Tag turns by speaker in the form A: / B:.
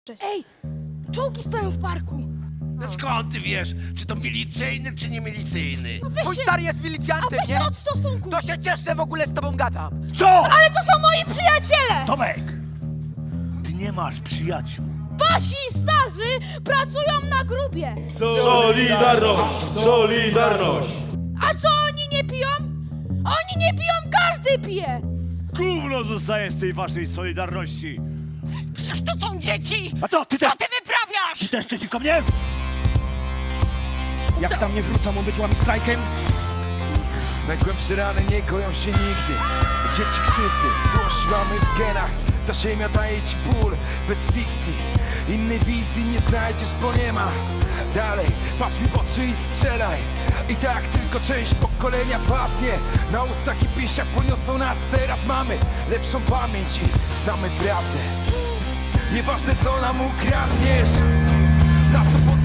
A: Cześć. Ej! Czołgi stoją w parku!
B: No skąd ty wiesz, czy to milicyjny, czy nie milicyjny?
C: Twój stary jest milicjantem,
A: A weź
C: nie?
A: się od stosunku!
C: To się cieszę, że w ogóle z tobą gadam.
B: Co?
A: Ale to są moi przyjaciele!
B: Tomek! Ty nie masz przyjaciół.
A: Wasi starzy pracują na grubie!
D: Solidarność! Solidarność!
A: A co oni nie piją? Oni nie piją, każdy pije!
E: Gówno zostaje z tej waszej solidarności.
F: Przecież to są dzieci!
E: A co, ty też,
F: Co ty wyprawiasz?
E: ty też przeciwko mnie? Jak tam nie wrócą obyć strajkiem?
G: Najgłębsze rany nie koją się nigdy. Dzieci krzywdy, złość mamy w genach. Ta ziemia daje ci ból, bez fikcji. Innej wizji nie znajdziesz, bo nie ma. Dalej, patrz mi w oczy i strzelaj. I tak tylko część pokolenia padnie. Na ustach i pięściach poniosą nas. Teraz mamy lepszą pamięć i znamy prawdę. Nieważne co nam ukradniesz, na co